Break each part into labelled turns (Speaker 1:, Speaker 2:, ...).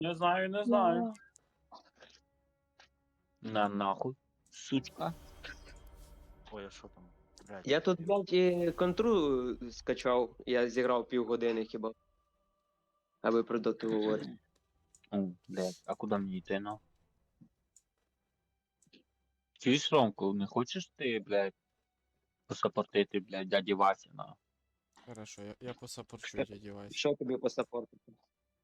Speaker 1: Не знаю, не знаю.
Speaker 2: На нахуй, сучка.
Speaker 3: Ой, а що там? Блядь.
Speaker 4: Я тут, блядь, і контру скачав, я зіграв півгодини хіба. Аби про доту говорити.
Speaker 2: Блядь, а куди мені йти, ну? Чуєш, Ромку, не хочеш ти, блядь, посапортити, блядь, дяді Васі, на?
Speaker 5: Хорошо, я посапорчу, дядя Вась.
Speaker 4: Що тобі посапортити?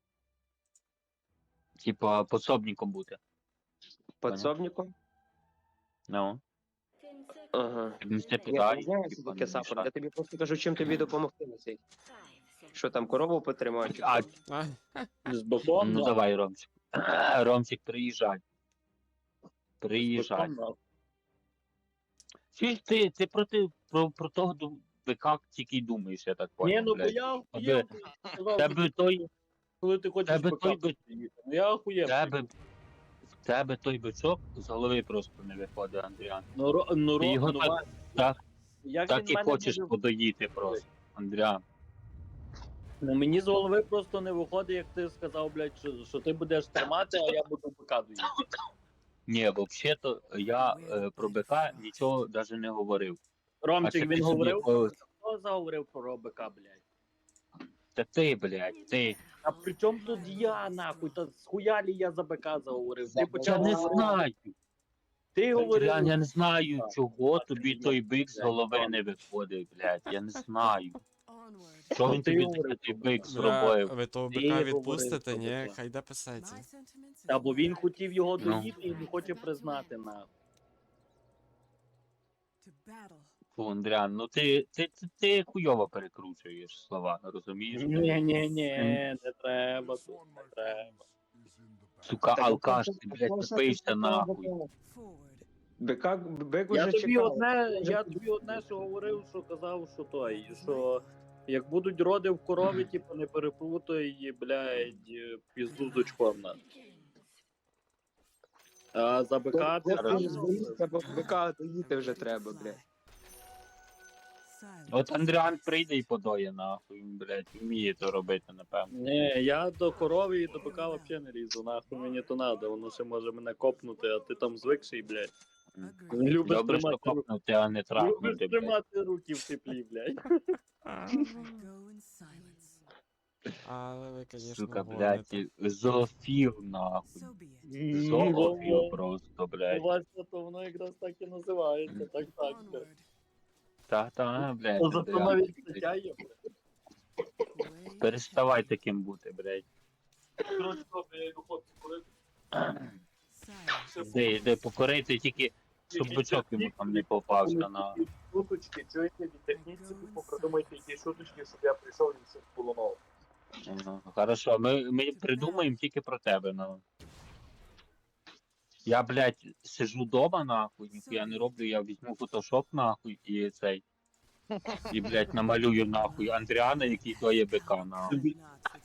Speaker 2: Типа, пособником бути.
Speaker 4: Подсобником?
Speaker 2: Ну,
Speaker 4: Ага.
Speaker 2: ти не
Speaker 4: Я
Speaker 2: питай,
Speaker 4: не знаю, що
Speaker 2: типа,
Speaker 4: таке
Speaker 2: не
Speaker 4: саппорт.
Speaker 2: мішай.
Speaker 4: Я тобі просто кажу, чим тобі допомогти на цей. Що там, корову потримати? чи
Speaker 2: А,
Speaker 4: що?
Speaker 5: А,
Speaker 1: З боком,
Speaker 2: ну
Speaker 1: да.
Speaker 2: давай, Ромчик. Ромчик, приїжджай.
Speaker 1: З
Speaker 2: Приїжджай.
Speaker 1: боком, да.
Speaker 2: Чуєш, ти про того ВК тільки й думаєш, я так
Speaker 1: Ні,
Speaker 2: понял,
Speaker 1: ну бо
Speaker 2: блядь.
Speaker 1: я
Speaker 2: Тебе-
Speaker 1: охуєв, сказав,
Speaker 2: Тебе той,
Speaker 1: коли ти хочеш
Speaker 2: тебе той
Speaker 1: показати. Ну я охуєв.
Speaker 2: в тебе той бичок з голови просто не виходить, Андріан.
Speaker 1: Ну,
Speaker 2: Ти його
Speaker 1: ну,
Speaker 2: так, так,
Speaker 1: як
Speaker 2: так
Speaker 1: він
Speaker 2: і
Speaker 1: мене
Speaker 2: хочеш
Speaker 1: буде-
Speaker 2: подоїти просто, Андріан.
Speaker 1: Ну, мені з голови просто не виходить, як ти сказав, блядь, що ти будеш тримати, а я буду показувати.
Speaker 2: Ні, взагалі-то я про БК нічого навіть не говорив. А
Speaker 1: Ромчик,
Speaker 2: це
Speaker 1: він
Speaker 2: ти собі,
Speaker 1: говорив,
Speaker 2: о,
Speaker 1: хто заговорив про БК, блядь?
Speaker 2: Та ти, блядь, ти.
Speaker 1: А при чому тут я, нахуй? Та схуялі я за БК заговорив? Ти
Speaker 2: Я
Speaker 1: почав
Speaker 2: не
Speaker 1: говорити.
Speaker 2: знаю.
Speaker 1: Ти говорив.
Speaker 2: Андріан, я не знаю,
Speaker 1: Так.
Speaker 2: чого
Speaker 1: Так,
Speaker 2: тобі
Speaker 1: ні,
Speaker 2: той бик з
Speaker 1: блядь,
Speaker 2: голови
Speaker 1: ладно.
Speaker 2: не виходить, блядь. Я не знаю. Що він
Speaker 1: Ти
Speaker 2: тобі
Speaker 1: говорив,
Speaker 2: такий бик
Speaker 5: бля,
Speaker 2: зробив?
Speaker 5: ви того
Speaker 1: Ти
Speaker 5: бика
Speaker 1: говорив
Speaker 5: відпустите,
Speaker 1: про
Speaker 5: ні?
Speaker 1: бика.
Speaker 5: Хай йде писається.
Speaker 1: Та бо він хотів його
Speaker 2: Ну.
Speaker 1: доїти і не хоче признати, нахуй.
Speaker 2: Фу, Андріан, ну ти хуйово перекручуєш слова, розумієш?
Speaker 1: Ні, не треба тут, не треба.
Speaker 2: Сука,
Speaker 4: Так,
Speaker 2: алкаш,
Speaker 4: ну,
Speaker 2: ти, блядь,
Speaker 4: просто
Speaker 2: тупишся
Speaker 4: ти
Speaker 2: нахуй.
Speaker 4: Бик
Speaker 1: Я
Speaker 4: уже
Speaker 1: тобі
Speaker 4: чекав.
Speaker 1: одне, що говорив, що казав, що той, що як будуть роди в корові, типу, не переплутай, блядь, пізду з очком на. А за БК ти сам
Speaker 4: Зберіться, бо бика доїти вже треба, блядь.
Speaker 2: От Андріан прийде і подоє нахуй, блядь, вміє то робити, напевно.
Speaker 1: Ні, я до корови і до бика взагалі не лізу, нахуй мені то надо, воно ще може мене копнути, а ти там звикший, блядь. Любиш
Speaker 2: Добре, що
Speaker 1: тримати,
Speaker 2: копнути, а не
Speaker 1: любиш
Speaker 2: трахнути, блядь.
Speaker 1: тримати руки в теплі, блядь.
Speaker 5: Але ви, звісно,
Speaker 2: Сука,
Speaker 5: гоните.
Speaker 2: блядь, зоофіл, нахуй. Зоофіл просто, блядь.
Speaker 1: Вася, то воно якраз так і називається, так, блядь.
Speaker 2: Та, блядь,
Speaker 1: Ну, зато
Speaker 2: Андріан.
Speaker 1: навіть стаття є, блядь.
Speaker 2: Переставай таким бути, блядь.
Speaker 1: Коротше, добре, я йду хлопці курити.
Speaker 2: Де покорити тільки, щоб бичок йому там не попався на...
Speaker 1: Шуточки, чуєте, відтягніться, типу, придумайте якісь шуточки, щоб я прийшов і все було ново.
Speaker 2: Ну, хорошо, ми придумаємо тільки про тебе, ну. Я, блядь, сижу дома, нахуй, ніхуя не роблю, я візьму фотошоп, нахуй, і цей. І, блядь, намалюю, нахуй, Андріана, який тоє бика, нахуй.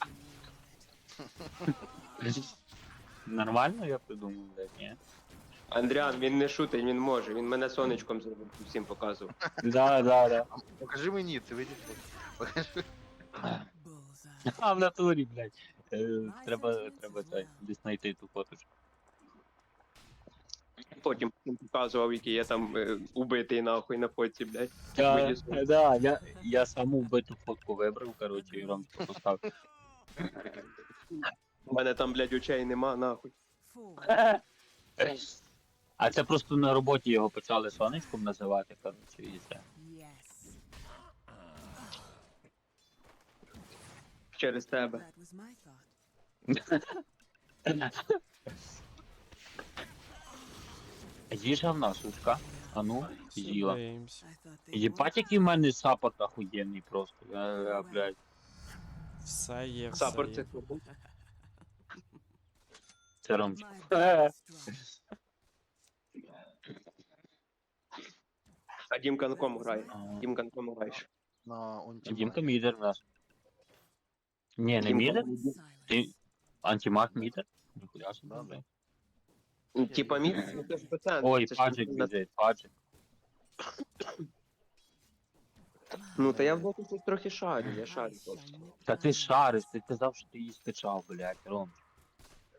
Speaker 2: Нормально я придумав, блядь, ні?
Speaker 4: Андріан, він не шутить, він може. Він мене сонечком зробив, всім показував.
Speaker 2: Да.
Speaker 3: Покажи мені, ти видиш? Покажи.
Speaker 2: А, в натурі, блядь. Треба це, десь знайти ту фоточку.
Speaker 4: Потім всім показував, який я там убитий нахуй на фотці, блядь.
Speaker 2: Я саму вбиту фотку вибрав, коротше, і Ромчику поставив.
Speaker 4: У мене там, блядь, очей нема, нахуй.
Speaker 2: А це просто на роботі його почали сонечком називати, коротше, і це.
Speaker 4: Через тебе.
Speaker 2: Їжа в нас, сучка. А ну, з'їла.
Speaker 5: Надіємося.
Speaker 2: Єбать, який в мене саппорт охуєнний просто. Блядь.
Speaker 5: Все є, все
Speaker 4: Саппорт це
Speaker 5: є.
Speaker 4: хто?
Speaker 2: Це Ромчик.
Speaker 4: А Дімка на кому грає?
Speaker 2: А,
Speaker 4: Дімка на кому граєш?
Speaker 3: На онті.
Speaker 2: Дімка мідер в нас. Ні, не мідер? Ти антимаг мідер? Ніхуя собі,
Speaker 3: Да,
Speaker 2: блядь.
Speaker 4: Типа мід, ну це ж пацан.
Speaker 2: Ой,
Speaker 4: це ж
Speaker 2: паджик
Speaker 4: на-
Speaker 2: біжить, паджик.
Speaker 4: Ну, та я в боку щось трохи шарю, я шарю просто.
Speaker 2: Та ти шариш, ти казав, що ти її скачав, блядь, Ром.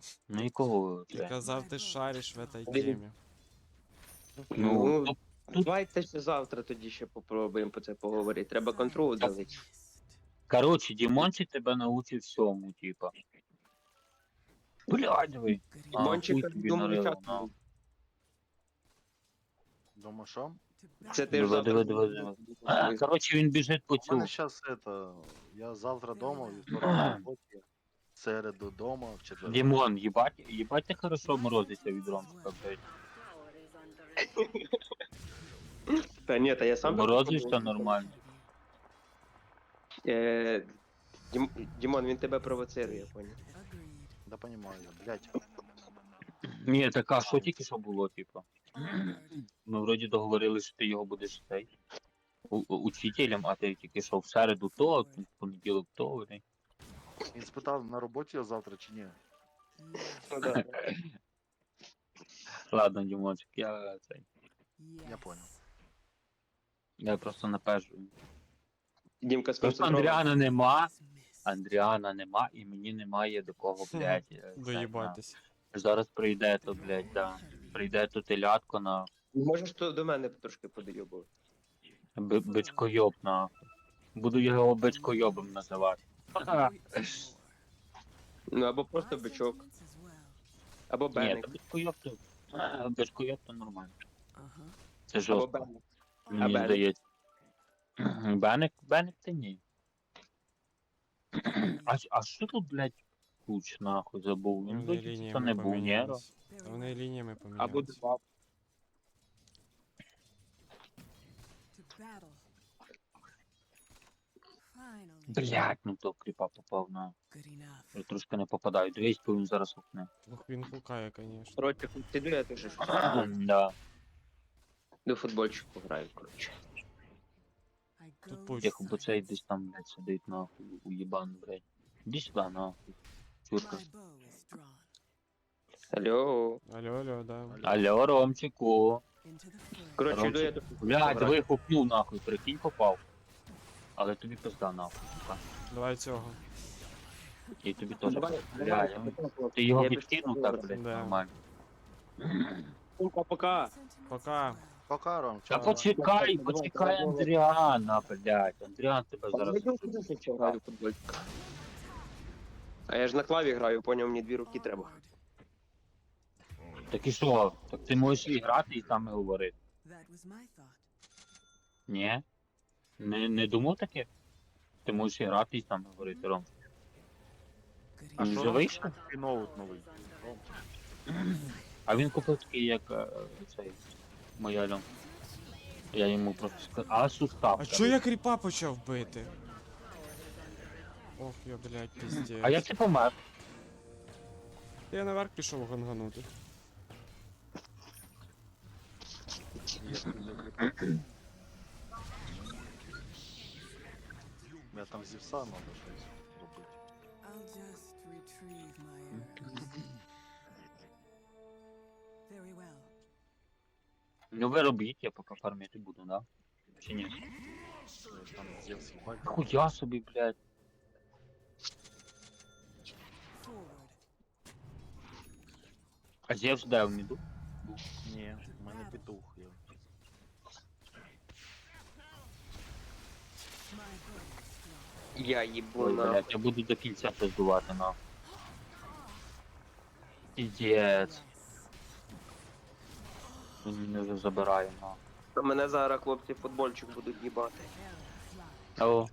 Speaker 2: Ну і кого
Speaker 5: Ти
Speaker 2: це?
Speaker 5: казав, ти шариш в этой
Speaker 4: Блін.
Speaker 5: темі.
Speaker 2: Ну,
Speaker 4: Ну,
Speaker 2: тут-
Speaker 4: давайте ще завтра тоді ще попробуємо про це поговорити. Треба контроль давити.
Speaker 2: коротше, Дімончик тебе научить всьому, типа. Блядь, ви. А,
Speaker 4: Мончика
Speaker 2: хуй тобі
Speaker 4: думаю,
Speaker 2: нарило,
Speaker 4: чат
Speaker 2: на.
Speaker 4: буде.
Speaker 3: Думаю, що?
Speaker 4: Це ти ж
Speaker 2: Диви,
Speaker 4: завтра.
Speaker 2: диви, диви, диви. А, коротше, він біжить по
Speaker 3: У мене
Speaker 2: цю.
Speaker 3: зараз это. Я завтра дома, вівторок на роботі, в середу дома, в четвер.
Speaker 2: Дімон, їбать ти хорошо морозиться від Ромчика, блядь.
Speaker 4: Та ні, та я сам.
Speaker 2: Морозишся нормально.
Speaker 4: Е, Дімон, він тебе провоцирує, я поняв.
Speaker 3: Да понимаю, блядь.
Speaker 2: Ні, така, що тільки що було, типу. Ми вроді договорилися, що ти його будеш цей. Учителем, а ти тільки що в середу то, в понеділок то, блядь.
Speaker 3: Він спитав, на роботі я завтра чи ні.
Speaker 4: Ну, да.
Speaker 2: Ладно, Дімончик, я цей.
Speaker 3: Я понял.
Speaker 2: Я просто напежую.
Speaker 4: Дімка
Speaker 2: Просто
Speaker 4: сконцентрований.
Speaker 2: Андріана нема, і мені немає до кого, блядь.
Speaker 5: Доїбатись.
Speaker 2: Зараз прийде то, блядь, да. Прийде то телятко на
Speaker 4: Можеш то до мене трошки подойобувати.
Speaker 2: бичкойоб нахуй. Буду його бичкойобом називати.
Speaker 4: Ну або просто бичок, або
Speaker 2: Ні,
Speaker 4: беник.
Speaker 2: то бичкойоб то нормально. Це
Speaker 4: Або
Speaker 2: жорстко,
Speaker 4: беник.
Speaker 2: мені
Speaker 4: Беник?
Speaker 2: здається. Беник це ні. А що тут, блядь, куч нахуй забув? Він
Speaker 5: Вони
Speaker 2: вроді це
Speaker 5: лініями
Speaker 2: не був, ні?
Speaker 5: помінялись. Вони лініями
Speaker 4: Або
Speaker 5: помінялись.
Speaker 4: два.
Speaker 2: Блядь, ну то кріпа попав на. Я трошки не попадаю. Дивись, бо він зараз окне.
Speaker 5: Ох, він хукає, конечно.
Speaker 4: Коротше, піду я теж щось.
Speaker 2: Да.
Speaker 4: До футбольчику граю, коротше.
Speaker 2: Тихо, бо цей десь там, блядь, сидить нахуй, уєбан, блядь. Іди сюди, нахуй. Чурка.
Speaker 4: Алло.
Speaker 5: Алло, да.
Speaker 2: Алло, Ромчику.
Speaker 4: Коротше, йду я до
Speaker 2: Блядь, диви, хупнув нахуй, прикинь, попав. Але тобі пизда нахуй, сука.
Speaker 5: Давай цього.
Speaker 2: І тобі теж.
Speaker 4: Давай,
Speaker 2: Блядь,
Speaker 4: давай.
Speaker 2: ти його
Speaker 4: Я
Speaker 2: відкинув так, блядь,
Speaker 5: Да.
Speaker 2: нормально.
Speaker 4: Пока.
Speaker 5: Пока.
Speaker 3: Пока, Ром,
Speaker 2: Та
Speaker 3: чао.
Speaker 2: почекай Андріана, блядь. Андріан тебе зараз.
Speaker 4: Граю в футбольчик. А я ж на клаві граю, поняв, мені дві руки треба.
Speaker 2: Так і що? Так ти можеш і грати, і там і говорити. Ні? Не думав таке? Ти можеш і грати, і там говорити, Ром.
Speaker 3: А
Speaker 2: Він
Speaker 3: що
Speaker 2: вже
Speaker 3: Ром?
Speaker 2: вийшов?
Speaker 3: І ноут новий. Ром.
Speaker 2: А він купив такий, як цей моя льом. Я йому просто сказав. А сустав.
Speaker 5: А чо я кріпа почав бити? Ох, я, блядь, пиздец.
Speaker 2: А як ти помер?
Speaker 5: Я наверх пішов ганганути.
Speaker 3: Я там зівса надо щось робити.
Speaker 2: Ну ви робіть, я поки фармити буду, да? Чи ні?
Speaker 3: Там зівс їбать.
Speaker 2: Хуя собі, блядь. А Зевс де в міду?
Speaker 3: Ні, в мене петух є.
Speaker 4: Я їбу
Speaker 2: Ой,
Speaker 4: на.
Speaker 2: блядь, я буду до кінця пиздувати, на. Піздець. Він мене вже забирає, на.
Speaker 4: Мене зараз хлопці футбольчик будуть їбати.
Speaker 2: О,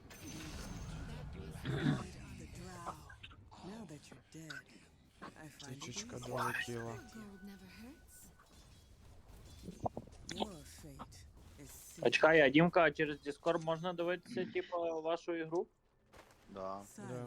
Speaker 5: Тичечка долетіла.
Speaker 1: А чекай, а Дімка, через Discord можна дивитися, типу, вашу ігру?
Speaker 3: Да.
Speaker 5: Да.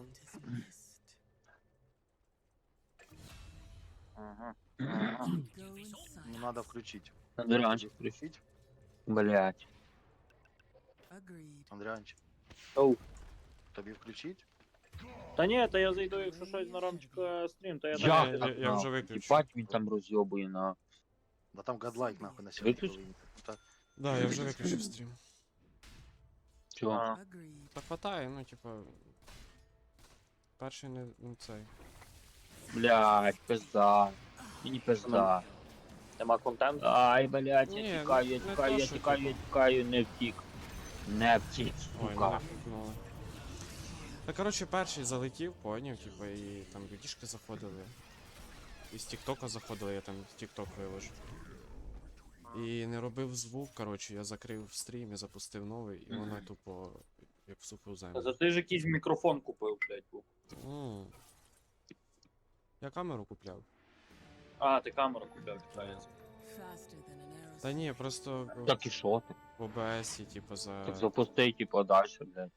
Speaker 1: Ага.
Speaker 3: Ну надо включить.
Speaker 2: Андріанчик включить. Блядь.
Speaker 3: Андріанчик.
Speaker 1: Оу.
Speaker 3: Тобі включить?
Speaker 1: Та ні, та я зайду, якщо щось на Ромчика стрім, то я
Speaker 2: Я,
Speaker 1: так.
Speaker 5: я вже виключив.
Speaker 2: Їбать, він там розйобує, на.
Speaker 3: Да там гадлайк нахуй на сьогодні.
Speaker 2: Виключ?
Speaker 3: повинен. Так.
Speaker 5: Да, я вже виключив стрім.
Speaker 2: Чого?
Speaker 1: А.
Speaker 5: Та хватає, ну, типа. Перший не цей.
Speaker 2: Блядь, пизда. Мені пизда.
Speaker 1: Нема контенту.
Speaker 2: Ай, блядь,
Speaker 5: Ні,
Speaker 2: я тікаю, я
Speaker 5: не
Speaker 2: тікаю,
Speaker 5: то,
Speaker 2: я
Speaker 5: що,
Speaker 2: тікаю, я
Speaker 5: типу.
Speaker 2: тікаю, не втік. Не втік,
Speaker 5: Ой, мене
Speaker 2: сука.
Speaker 5: хукнули. Та коротше, перший залетів, поняв, типу, і там людішки заходили. І з Тіктока заходили, я там Тікток виложив. І не робив звук, коротше, я закрив стрім і запустив новий, і воно тупо як в суху
Speaker 1: А
Speaker 5: землю.
Speaker 1: за ти ж якийсь мікрофон купив, блядь, був.
Speaker 5: М. Я камеру купляв.
Speaker 1: А, ти камеру купив, вітається.
Speaker 5: Та ні, просто
Speaker 2: Так і що ти?
Speaker 5: в ОБСі, типу, за.
Speaker 2: Так запусти, типу, далі, блядь.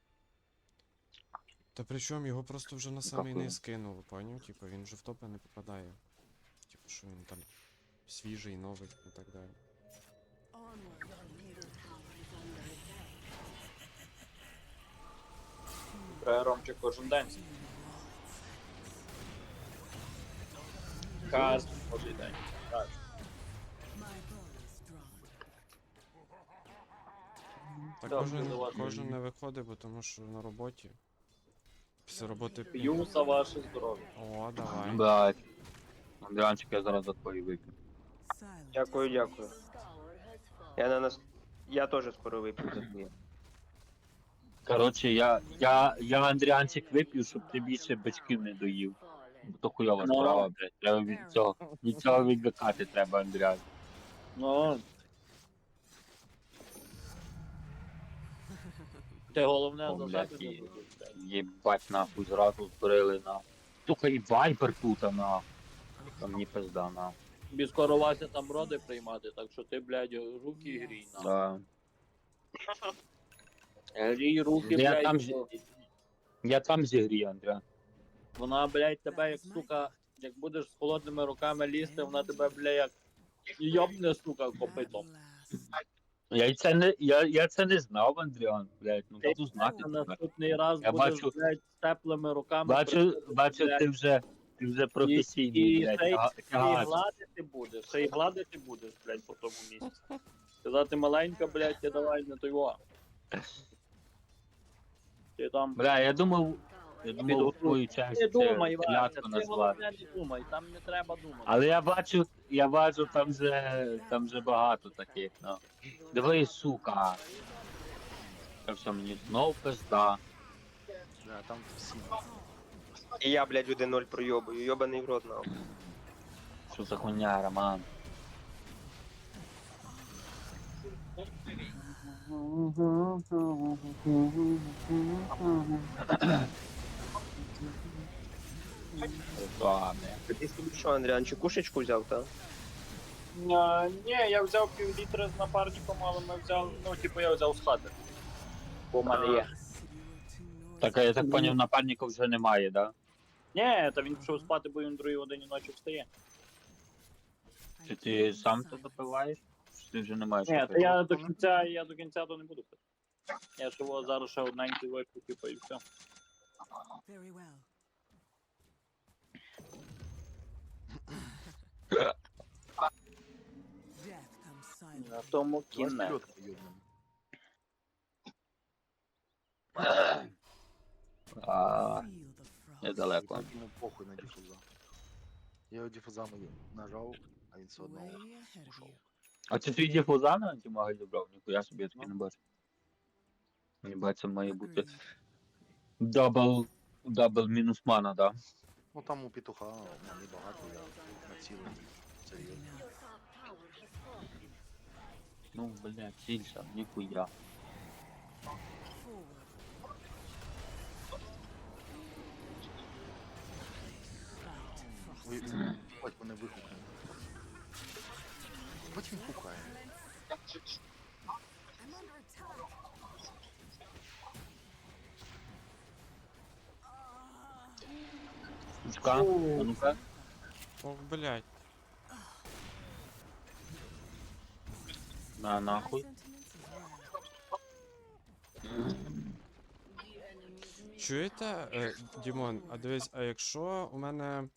Speaker 5: Та причому його просто вже на самий
Speaker 2: Какой?
Speaker 5: низ кинули, поняв? Типу, він вже в топи не попадає. Типу, що він там свіжий, новий і так далі.
Speaker 1: Треба Ромчик кожен день. Кожен божий день. Так.
Speaker 5: Так
Speaker 1: Да,
Speaker 5: кожен,
Speaker 1: буде ладно.
Speaker 5: кожен не виходить, бо тому що на роботі. Після роботи
Speaker 1: П'ю за ваше здоров'я.
Speaker 5: О, давай.
Speaker 2: Блядь. Андріанчик, я зараз за твої вип'ю.
Speaker 4: Дякую, дякую. Я на нас. Я теж скоро вип'ю за твоє.
Speaker 2: Коротше, я Андріанчик вип'ю, щоб ти більше бачків не доїв. Бо то хуйова
Speaker 1: Ну.
Speaker 2: справа, блядь. Треба від цього відвикати треба, Андріан.
Speaker 1: Ну. Ти головне
Speaker 2: О,
Speaker 1: за
Speaker 2: блядь,
Speaker 1: себе не
Speaker 2: і-
Speaker 1: будеш, блядь.
Speaker 2: Єбать нахуй, зразу збрили на. Сука, і вайпер тут, на. Там мені пизда, на.
Speaker 1: Тобі скоро Вася там роди приймати, так що ти, блядь, руки грій, на.
Speaker 2: Да.
Speaker 1: Грій руки,
Speaker 2: Я
Speaker 1: блядь,
Speaker 2: там
Speaker 1: бо
Speaker 2: Я там зігрію, Андріан.
Speaker 1: вона, блядь, тебе як, сука, як будеш з холодними руками лізти, вона тебе, блядь, як йобне, сука, копитом.
Speaker 2: Я це не знав, Андріан, блядь, ну
Speaker 1: Ти
Speaker 2: буду знати
Speaker 1: на
Speaker 2: тепер.
Speaker 1: наступний раз
Speaker 2: Я
Speaker 1: будеш,
Speaker 2: бачу-
Speaker 1: блядь, з теплими руками.
Speaker 2: Бачу,
Speaker 1: блядь,
Speaker 2: ти вже професійний,
Speaker 1: і
Speaker 2: блядь,
Speaker 1: ще й
Speaker 2: тягач.
Speaker 1: ще й гладити будеш, блядь, по тому місці. Сказати маленька, блядь, ти давай не той во. Ти там.
Speaker 2: Бля, я думав, твою
Speaker 1: Не
Speaker 2: честь
Speaker 1: думай, Вася,
Speaker 2: клятку
Speaker 1: ти
Speaker 2: назвати.
Speaker 1: головне не думай, там не треба думати.
Speaker 2: Але я бачу, там вже багато таких, ну. Диви, сука. Це все мені знов пизда.
Speaker 3: Да, там всі.
Speaker 4: І я, блядь, 1-0 пройобую. Йобаний в рот нахуй.
Speaker 2: Що за хуйня, Роман? Ладно.
Speaker 4: Ти собі що, Андріан, чи кушечку взяв, та?
Speaker 1: Ні, я взяв пів-літра з напарником, але ми взяли, ну, типу, я взяв з хати. Бо в мене є.
Speaker 2: Так, а я так поняв, напарника вже немає, да?
Speaker 1: Ні, та він пішов спати, бо він в другій годині ночі встає.
Speaker 2: Чи ти сам то допиваєш? Чи ти вже не маєш?
Speaker 1: Ні, та
Speaker 2: такого?
Speaker 1: я до кінця то не буду пити. Я ж його зараз ще одненький випив, типу, і все.
Speaker 6: Very well. Death comes silent.
Speaker 1: На тому
Speaker 3: Давай
Speaker 1: кінець.
Speaker 3: вперед поїдемо.
Speaker 2: А,
Speaker 6: Feel the frost.
Speaker 2: недалеко.
Speaker 3: Так йому похуй на дифуза. Я його дифузами нажав, а він все одно
Speaker 6: Way ahead of
Speaker 3: ушов.
Speaker 6: you.
Speaker 2: А це твій діфуза на антимаги добрав? Ніхуя собі я таки не бачу. Ніби це має бути
Speaker 6: Agreed.
Speaker 2: дабл мінус мана, да?
Speaker 3: Ну там у петуха мені багато, я націлений. Серйозно.
Speaker 2: Ну, блядь, сільша, ніхуя.
Speaker 6: Forward. Fight
Speaker 3: Ой,
Speaker 6: frost.
Speaker 3: хоч мене вихукне. Хоч він хукає.
Speaker 2: Сучка, а ну-ка.
Speaker 5: Ох, блядь.
Speaker 2: На нахуй.
Speaker 5: Чуєте, Дімон, а дивись, а якщо у мене.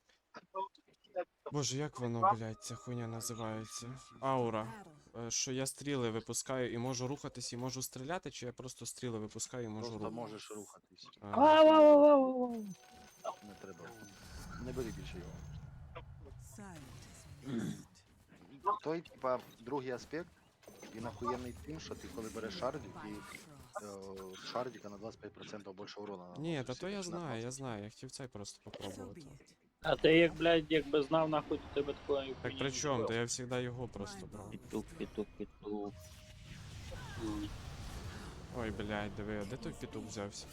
Speaker 5: Боже, як воно, блядь, ця хуйня називається? Аура. Що я стріли випускаю і можу рухатись, і можу стріляти, чи я просто стріли випускаю і можу
Speaker 3: Просто
Speaker 5: рухатись?
Speaker 3: можеш рухатись.
Speaker 5: А,
Speaker 3: Не треба. Не бери більше його.
Speaker 6: Silent as mist.
Speaker 3: Той, типа, другий аспект, він охуєнний тим, що ти коли береш шардик і з шардика на 25% більше урона наносиш.
Speaker 5: Ні, та то я
Speaker 3: Всі на
Speaker 5: знаю,
Speaker 3: 20.
Speaker 5: я знаю, я хотів цей просто
Speaker 6: So
Speaker 5: попробувати.
Speaker 6: be it.
Speaker 1: А ти як, блядь, якби знав, нахуй то тебе такої.
Speaker 5: Так при чому? То я завжди його просто брав.
Speaker 2: Петух, петух, петух.
Speaker 5: Ой, блядь, диви, а де той петух взявся?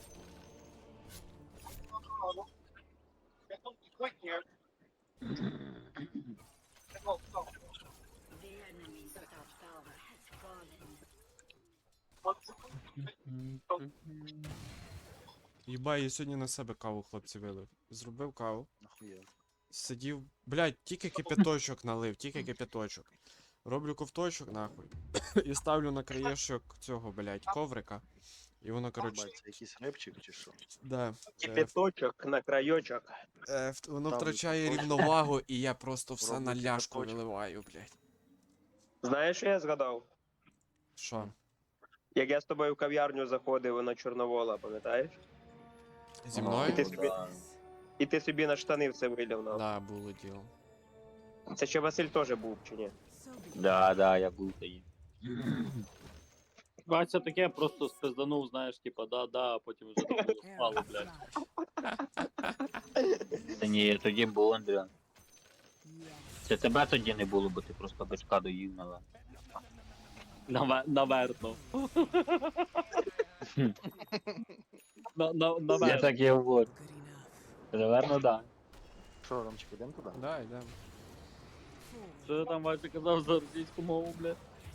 Speaker 5: Єба, я сьогодні на себе каву, хлопці, вилив. Зробив каву.
Speaker 3: Нахуя.
Speaker 5: Сидів, блядь, тільки кипяточок налив, тільки кипяточок. Роблю ковточок, нахуй. І ставлю на краєшок цього, блядь, коврика. І воно, коротше,
Speaker 3: Бать, це якийсь репчик чи що?
Speaker 5: да.
Speaker 4: Кипяточок на крайочок.
Speaker 5: Воно
Speaker 3: Там
Speaker 5: втрачає
Speaker 3: точно.
Speaker 5: рівновагу, і я просто все
Speaker 3: Роблю
Speaker 5: на ляшку
Speaker 3: кипяточок.
Speaker 5: виливаю, блядь.
Speaker 4: Знаєш, що я згадав?
Speaker 5: Що?
Speaker 4: Як я з тобою в кав'ярню заходив на Чорновола, пам'ятаєш?
Speaker 5: Зі
Speaker 4: І
Speaker 5: мною?
Speaker 4: ти собі, і ти собі на штани все вилив нам.
Speaker 5: Да, було діло.
Speaker 4: Це ще Василь теж був, чи ні?
Speaker 6: So be it.
Speaker 2: Да, я був тоді.
Speaker 1: Бачиться таке, просто спизданув, знаєш, типа, да, а потім вже не було спало,
Speaker 6: Arrow
Speaker 1: блядь.
Speaker 6: flash.
Speaker 2: Та ні, тоді був Андріан.
Speaker 6: Yes.
Speaker 2: Це тебе тоді не було, бо ти просто бичка доїв нала.
Speaker 1: Наверно.
Speaker 2: Я
Speaker 1: Наверно.
Speaker 2: так і говорю.
Speaker 6: Good enough.
Speaker 2: Наверно, да.
Speaker 3: Що, Ромчик, ідемо туди?
Speaker 5: Да, йдемо.
Speaker 6: Forward.
Speaker 1: Що ти там, Вася, казав за російську мову, блядь?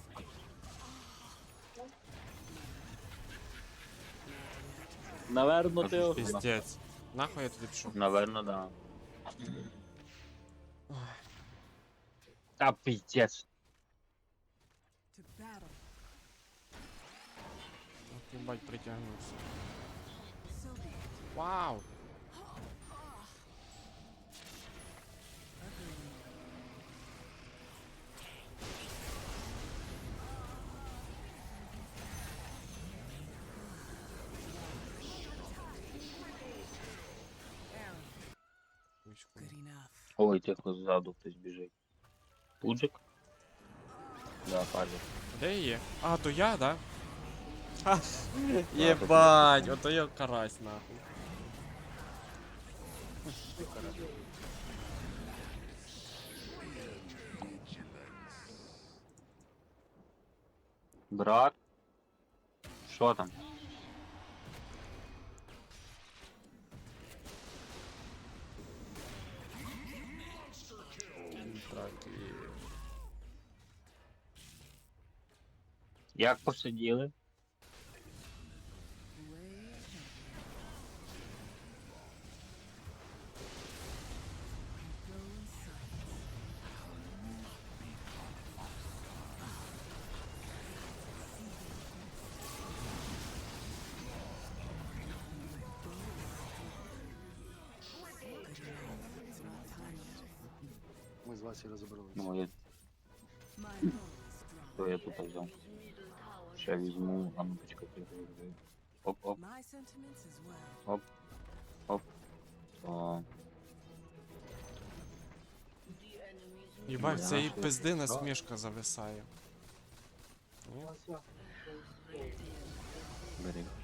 Speaker 1: Наверно, ти...
Speaker 2: Кажу,
Speaker 5: Піздець. Нахуй я туди пішов?
Speaker 2: Наверно, да. Та пиздец.
Speaker 6: To battle.
Speaker 5: Ох, їбать, притягнувся.
Speaker 6: So be it.
Speaker 5: Вау!
Speaker 6: Agreed. Arrow.
Speaker 5: Вічку.
Speaker 6: Good enough.
Speaker 2: Ой, тихо, ззаду хтось біжить. Пуджик? Да, падає.
Speaker 5: Де є? А, то я, да? Ха! Єбать, ото я карась, нахуй.
Speaker 2: Брат? Що там?
Speaker 5: Так, і...
Speaker 2: Як посиділи?
Speaker 6: Way ahead. Go in silence. Good enough. It's not time yet.
Speaker 3: Ми з Васі розібралися.
Speaker 2: Ну, я,
Speaker 6: My bow is drawn.
Speaker 2: то я тут взяв. Ще візьму, а ну почекайте. Оп-оп.
Speaker 6: My sentiments as well.
Speaker 2: О,
Speaker 5: Єбать,
Speaker 2: Да,
Speaker 5: це і
Speaker 2: що?
Speaker 5: пизди насмішка зависає. Ні?
Speaker 2: бери.